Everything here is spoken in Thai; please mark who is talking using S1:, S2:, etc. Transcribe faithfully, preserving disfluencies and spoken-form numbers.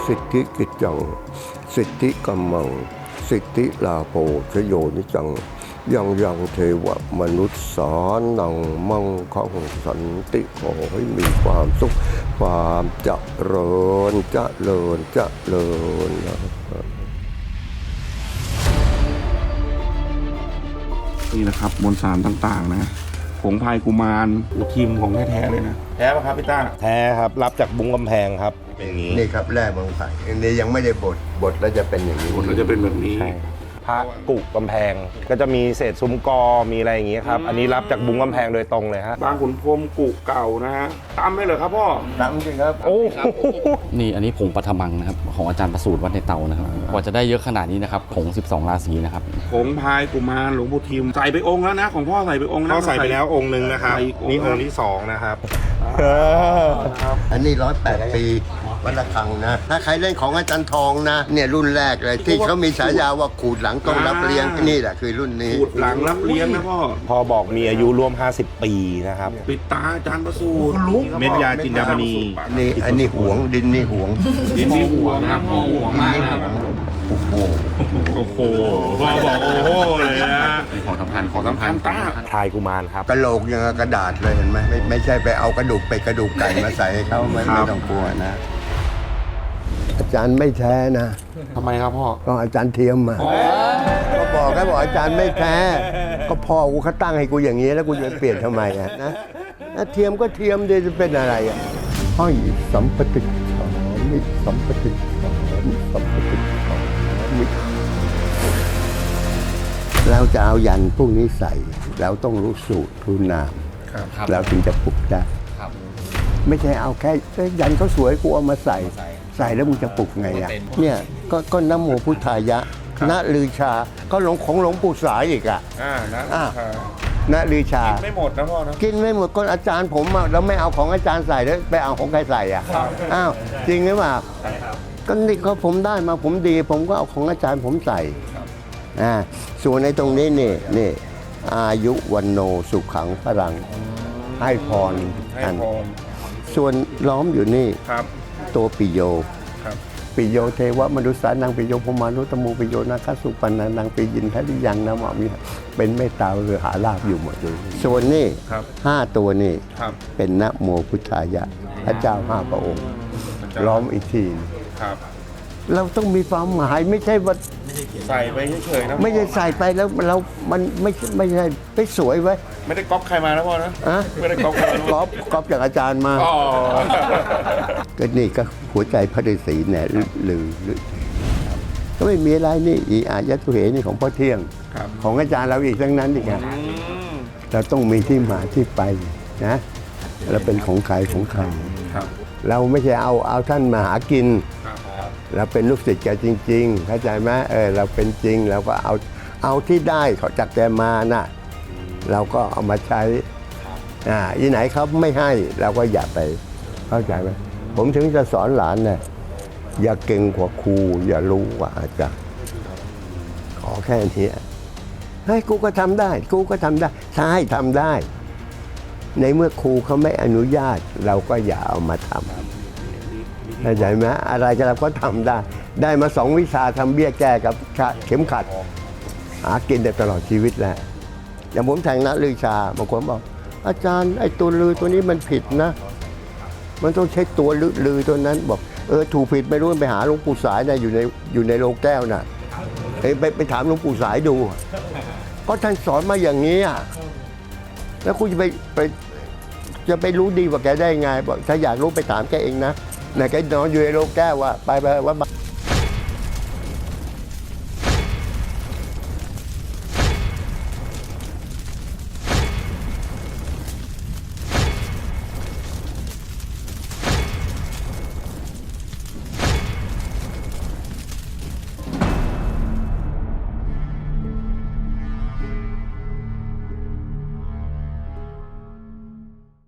S1: สิทธิกิจจังสิทธิกัมมังสิทธิลาโภชโยนิจังยังยังเทวมนุษย์สานังมั่งคั่งสันติขอให้มีความสุขความเจริญเจริญเจริญนะ
S2: นี่นะครับมวลสารต่างๆนะผงพายกุมารอูทีมของแท้ๆเลยนะแท้ป่ะครับพี่ต้า
S3: แท้ครับรับจากบุ้งกำแพงครับเป็นอย่างนี้
S1: นี่ครับแร่เมืองไผ่อันนี้ยังไม่ได้บดบดแล้วจะเป็นอย่างนี้
S2: ผลก็จะเป็นแบบนี้
S3: พระกุกำแพงก็จะมีเศษซุ้มกอมีอะไรอย่างนี้ครับอันนี้รับจากบุ้งกำแพงโดยตรงเลยฮะ
S2: บางขุนพรหมกุเก่านะฮะตามได้เลยครับพ่อ
S1: ตั้งจริงครับ
S3: โอ้
S4: นี่อันนี้ผงปัทมังนะครับของอาจารย์ประสูติวัดในเตานะครับกว่าจะได้เยอะขนาดนี้นะครับผงสิบสองราศีนะครับ
S2: ผงพายกุมารหลวงปู่ทิมใส่ไปองค์แล้วนะของพ่อใส่ไปองค์
S3: เขาใส่ไปแล้วองค์หนึ่งนะครับ
S2: ใส่อีก
S3: นี่องค์ที่สองนะครับ
S1: อันนี้ร้อยแปดปีวัดระฆังนะ ถ้าใครเล่นของอาจารย์ทองนะเนี่ยรุ่นแรกเลยที่เขามีฉายาว่าขูดหลังต้องรับเลี้ยงนี่แหละคือรุ่นนี้
S2: ขูดหลังรับเลี้ยงนะพ่อ
S3: พอบอกมีอายุร่วมห้าสิบปีนะครับ
S2: ปิดตาอาจารย์ประสูติ
S3: เม็ดยาจินดามณี
S1: นี่อันนี้หวงดินนี่หวง
S2: ดินนี่ห่วงนะพ่อห่วงมากนะ
S1: โอ้โห
S2: โอ้โหพ่อบอกโอ้โหเลยนะ
S4: ของสำคัญ
S2: ของสำคัญต้า
S3: พายกุมารครับ
S1: กระโหลกยังกับกระดาษเลยเห็นไหมไม่ไม่ใช่ไปเอากระดูกเป็ดกระดูกไก่มาใส่ให้เขาไม่ไม่ต้องกลัวนะ อาจารย์ไม่แท้นะ
S2: ทำไมครับพ่อ
S1: ก็อาจารย์เทียมมาก็บอกให้บอกอาจารย์ไม่แท้ ก็พ่อกูเขาตั้งให้กูอย่างนี้แล้วกูจะเปลี่ยนทำไมอะนะนะเทียมก็เทียมดีจะเป็นอะไรอ่ะห้อยสัมปติสามิสัมปติสามิสัมปติสามิเราจะเอายันพวกนี้ใส่เราต้องรู้สูตรรู้นาม
S4: ครับ
S1: เราถึงจะปลุกได้
S4: ครับ
S1: ไม่ใช่เอาแค่เอ้ยยันเขาสวยกูเอามาใส่ ใส่แล้วมึงจะปลุกไงอ่ะเนี่ยก็ก็น้ำโมพุทธายะณลือชาก็หลวงของหลวงปู่สายอีกอ่ะ
S2: อ่านะ
S1: อ่า ณลือชา
S2: ไม่หมดนะพ่อนะ
S1: กินไม่หมดก็อาจารย์ผมอะแล้วไม่เอาของอาจารย์ใส่แล้วไปเอาของใครใส่อ่ะอ้าวจริงหรือเปล่าก็นี่ก็ผมได้มาผมดี ผมก็เอาของอาจารย์ผมใส่อ่าส่วนในตรงนี้นี่นี่อายุวันโนสุขังพลังให้พร
S2: ให้
S1: กัน
S2: พร
S1: ส่วนล้อมอยู่นี่
S2: ครับ
S1: ตัวปิโย
S2: ครับ
S1: ปิโยเทวมนุษย์สานังปิโยพมานุตมูปิโยนาคสุปันนานังปิยินทริยังนะหมอมีเป็นเมตตาหรือหาลาภอยู่หมดเลยส่วนนี่
S2: ครับ
S1: ห้าตัวนี่
S2: ครับ
S1: เป็นนะโมพุทธายะพระเจ้าห้าพระองค์ ล้อมอีกที
S2: ครับ
S1: เราต้องมีความหมายไม่ใช่ว่า
S2: ใส่ไปเฉยๆนะ
S1: ไม่ใช่ใส่ไปแล้วเรามันไม่ไม่ใช่ไปสวยไว้
S2: ไม่ได้ก๊อปใครมานะพ่อนะ
S1: อะ
S2: ไม่ได้ก๊อปใครมานะ
S1: ก๊อปก๊อปจากอาจารย์มา
S2: อ๋อ
S1: ก็นี่ก็หัวใจพระฤาษีเนี่ยหรือหรือก็ไม่มีอะไรนี่อีอายะตุเหนี่ของพ่อเที่ยง
S2: ครับ
S1: ของอาจารย์เราอีกทั้งนั้นอีกอะ
S2: อืม
S1: เราต้องมีที่มาที่ไปนะเราเป็นของใครของใคร
S2: ครับ
S1: เราไม่ใช่เอาเอาท่านมาหากิน
S2: ครับ
S1: เราเป็นลูกศิษย์แกจริงๆเข้าใจไหมเออเราเป็นจริงเราก็เอาเอาที่ได้เขาจากแกมาน่ะเราก็เอามาใช้อ่าที่ไหนเขาไม่ให้เราก็อย่าไปเข้าใจไหมผมถึงจะสอนหลานเนี่ยอย่าเก่งกว่าครูอย่ารู้กว่าอาจารย์ขอแค่นี้เฮ้ยกูก็ทำได้ กูก็ทำได้ใช่ทำได้ ในเมื่อครูเขาไม่อนุญาต เราก็อย่าเอามาทำเข้าใจไหมอะไรก็เราก็ทำได้ ได้มาสองวิชาทำเบี้ยแก้กับเข็มขัด หากินได้ตลอดชีวิตแล้วอย่างผมแทงนะลือชาบางคนบอก อาจารย์ไอ้ตัวลือตัวนี้มันผิดนะ มันต้องใช้ตัวลือลือตัวนั้นบอกเออถูกผิดไม่รู้ไปหาหลวงปู่สายนะอยู่ในอยู่ในโรงแก้วน่ะเอ้ยไปไปถามหลวงปู่สายดูก็ท่านสอนมาอย่างนี้อ่ะแล้วคุณจะไปไปจะไปรู้ดีกว่าแกได้ไงบอกถ้าอยากรู้ไปถามแกเองนะไหนแกนอนอยู่ในโรงแก้วว่ะไปไปว่า